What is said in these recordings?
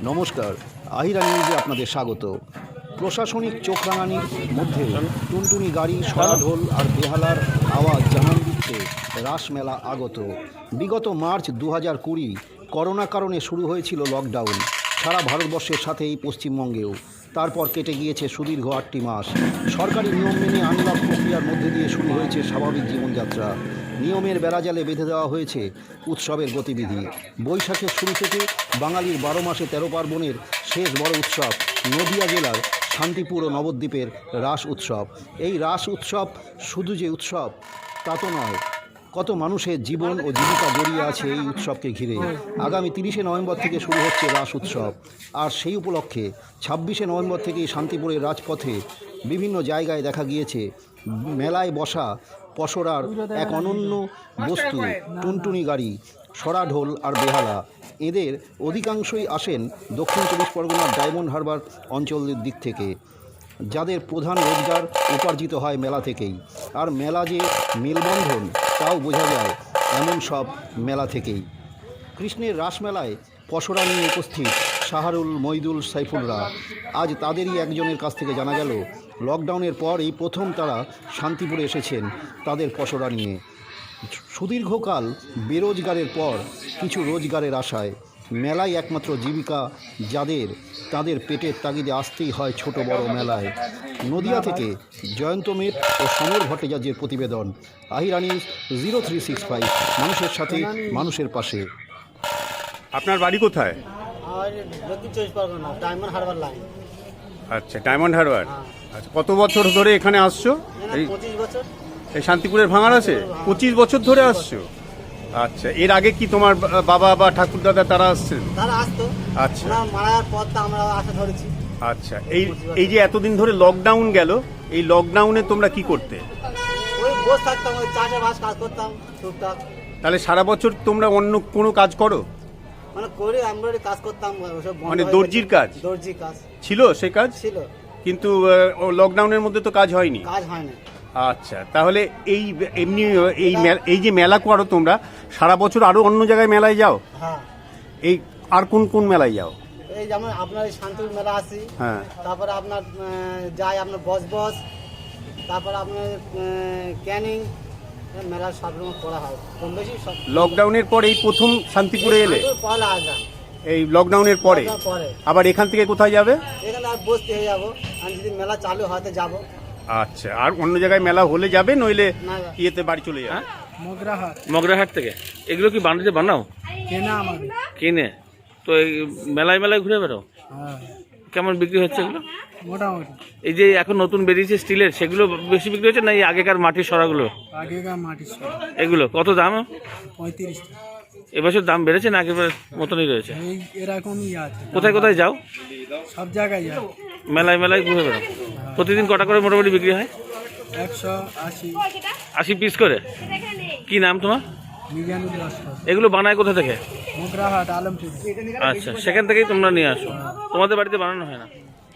নমস্কার, আহিরা নিউজে আপনাদের স্বাগত। প্রশাসনিক চোখরাঙানির মধ্যে টুনটুনি গাড়ি, সরাঢোল আর বেহালার আওয়াজ জানান দিচ্ছে রাসমেলা আগত। বিগত মার্চ 2020 করোনা কারণে শুরু হয়েছিল লকডাউন সারা ভারতবর্ষের সাথেই পশ্চিমবঙ্গেও। তারপর কেটে গিয়েছে সুদীর্ঘ 8টি মাস। সরকারি নিয়ম মেনে আনলক প্রক্রিয়ার মধ্যে দিয়ে শুরু হয়েছে স্বাভাবিক জীবনযাত্রা। নিয়মের বেড়াজালে বেঁধে দেওয়া হয়েছে উৎসবের গতিবিধি। বৈশাখের শুরু থেকে বাঙালির 12 মাসে 13 পার্বণের শেষ বড় উৎসব নদিয়া জেলার শান্তিপুর ও নবদ্বীপের রাস উৎসব। এই রাস উৎসব শুধু যে উৎসব তা তো নয়, কত মানুষের জীবন ও জীবিকা জড়িয়ে আছে এই উৎসবকে ঘিরে। আগামী 30শে নভেম্বর থেকে শুরু হচ্ছে রাস উৎসব, আর সেই উপলক্ষে 26শে নভেম্বর থেকেই শান্তিপুরের রাজপথে বিভিন্ন জায়গায় দেখা গিয়েছে মেলায় বসা পসরার এক অনন্য বস্তু টুনটুনি গাড়ি, সরাঢোল আর বেহালা। এদের অধিকাংশই আসেন দক্ষিণ 24 পরগনার ডায়মন্ড হারবার অঞ্চলের দিক থেকে, যাদের প্রধান রোজগার উপার্জিত হয় মেলা থেকেই। আর মেলা যে মেলবন্ধন তাও বোঝা যায় এমন সব মেলা থেকেই। কৃষ্ণের রাসমেলায় পসরা নিয়ে উপস্থিত শাহরুল, মইদুল, সাইফুলরা। আজ তাদেরই একজনের কাছ থেকে জানা গেল লকডাউনের পর এই প্রথম তারা শান্তিপুরে এসেছেন তাদের পসরা নিয়ে। সুদীর্ঘকাল বেরোজগারের পর কিছু রোজগারের আশায় মেলায় একমাত্র জীবিকা যাদের, তাদের পেটের তাগিদে আসতেই হয় ছোট বড় মেলায়। নদিয়া থেকে জয়ন্ত মেট ও সমর ভট্টাচার্যের প্রতিবেদন। আহিরা নিউজ 0365, মানুষের সাথে মানুষের পাশে। আপনার বাড়ি কোথায়? দক্ষিণ 24 পরগনা, ডায়মন্ড হারবার লাইন। আচ্ছা, ডায়মন্ড হারবার। আচ্ছা, কত বছর ধরে এখানে আসছো? এই 25 বছর। এই শান্তিপুরের ভাঙার আছে 25 বছর ধরে আসছো। আচ্ছা, এর আগে কি তোমার বাবা বা ঠাকুরদাদা তারা আসছেন? তারা আসতো। আচ্ছা, ওরা মারার পর তো আমরা আসা ধরেছি। আচ্ছা, এই যে এতদিন ধরে লকডাউন গেল, এই লকডাউনে তোমরা কি করতে? ওই বসে থাকতাম, ওই চাষাবাস কাজ করতাম টুকটাক। তাহলে সারা বছর তোমরা অন্য কোনো কাজ করো? মানে করে আমরা কাজ করতাম, ওসব বন্ধ মানে হয়ে দর্জির গেছে। কাজ? দর্জির কাজ ছিল সে কাজ, ছিল, কিন্তু লকডাউনের মধ্যে তো কাজ হয়নি। কাজ হয় না। আচ্ছা, তাহলে এই এমনি এই যে মেলা করো তোমরা, সারা বছর আরো অন্য জায়গায় মেলায় যাও? হ্যাঁ। এই আর কোন কোন মেলায় যাও? এই যেমন আপনার এই শান্তিপুর মেলা আসি, হ্যাঁ, তারপরে আপনার যাই আপনার বস, তারপরে আপনার ক্যানিং মেলা সব রকম করা হয় কম বেশি সব। লকডাউনের পর এই প্রথম শান্তিপুরে এলে? পয়লা আসলাম এই লকডাউনের পরে। পরে আবার এখান থেকে কোথায় যাবে? এখানে আর বসতে হয়ে যাবো, আর যদি মেলা চালু হয় তো যাবো। আচ্ছা, আর অন্য জায়গায় মেলা হলে যাবে, নইলে না, ইয়েতে বাড়ি চলে যাবে? মগরাহাট থেকে। এগুলো কি বানাতে বানাও? কেনা আমাদের। কিনে? তো এই মেলায় মেলায় ঘুরে বেড়াও? হ্যাঁ, কেমন বিক্রি হচ্ছে এগুলো? মোটামুটি। এই যে এখন নতুন বেরিয়েছে স্টিলের, সেগুলো বেশি বিক্রি হচ্ছে না এই আগেকার মাটির সরাগুলো? আগেকার মাটির এগুলো কত দাম? 35। এবছর দাম বেড়েছে না আগের মতনই রয়েছে? এই এরকমই আছে। কোথায় কোথায় যাও? সব জায়গায় যায়। মেলায় মেলায় ঘুরে বেড়াও? প্রতিদিন কটা করে মোটামুটি বিক্রি হয়? 180। 80 পিস করে? কি নাম তোমার? মিজানুর লস্কর। এগুলো বানায় কোথা থেকে? মোগরাহাট, আলমপুর। আচ্ছা, সেখান থেকেই তোমরা নিয়ে আসো? তোমাদের বাড়িতে বানানো হয় না?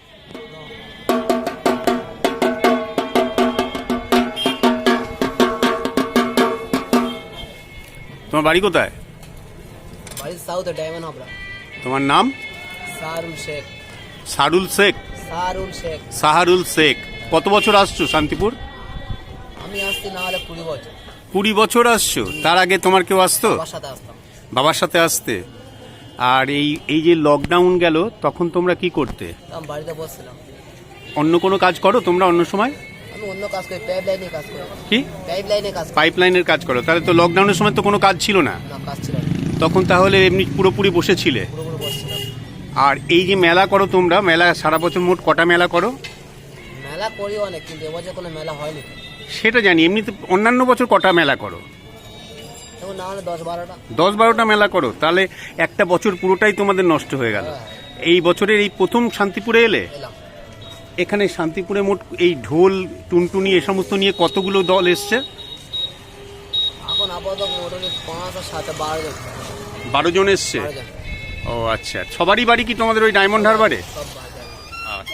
তোমার বাড়ি কোথায়? বাড়ি সাউথ ডায়মন্ড হারবার। তোমার নাম? সারুল শেখ। সারুল শেখ? সারুল শেখ। সাহারুল শেখ। কত বছর আসছো শান্তিপুর? আমি আসছি না হলে 20 বছর। 20 বছর আসছো? তার আগে তোমার কেউ আসতো? বাবার সাথে আসতাম। বাবার সাথে আসতে। আর এই যে লকডাউন গেল তখন তোমরা কি করতে? আমি বাড়িতে বসছিলাম। অন্য কোনো কাজ করো তোমরা অন্য সময়? আমি অন্য কাজ করি, পাইপ লাইনে কাজ করি। কি? পাইপ লাইনে কাজ করি। পাইপ লাইনের কাজ করো? তাহলে তো লকডাউনের সময় তো কোনো কাজ ছিল না, না, কাজ ছিল না। তখন তাহলে এমনি পুরোপুরি বসেছিলে? পুরোপুরি বসছিলাম। আর এই যে মেলা করো তোমরা, মেলা সারা বছর মোট কটা মেলা করো? মেলা করি অনেক, কিন্তু এবছর কোনো মেলা হয়নি। সেটা জানি, এমনিতে অন্যান্য বছর কটা মেলা করো? এখন না হলে 10-12টা। 10-12টা মেলা করো, তাহলে একটা বছর পুরোটাই তোমাদের নষ্ট হয়ে গেল। এই বছরের এই প্রথম শান্তিপুরে এলে? এলাম। এখানে শান্তিপুরে মোট এই ঢোল, টুনটুনি এ সমস্ত নিয়ে কতগুলো দল এসছে? এখন আপাতত মোটামুটি 5 আর 7 12 জন। 12 জন এসছে? 12 জন। ও আচ্ছা, সবারই বাড়ি কি তোমাদের ওই ডায়মন্ড হারবারে? সব বাজার। আচ্ছা।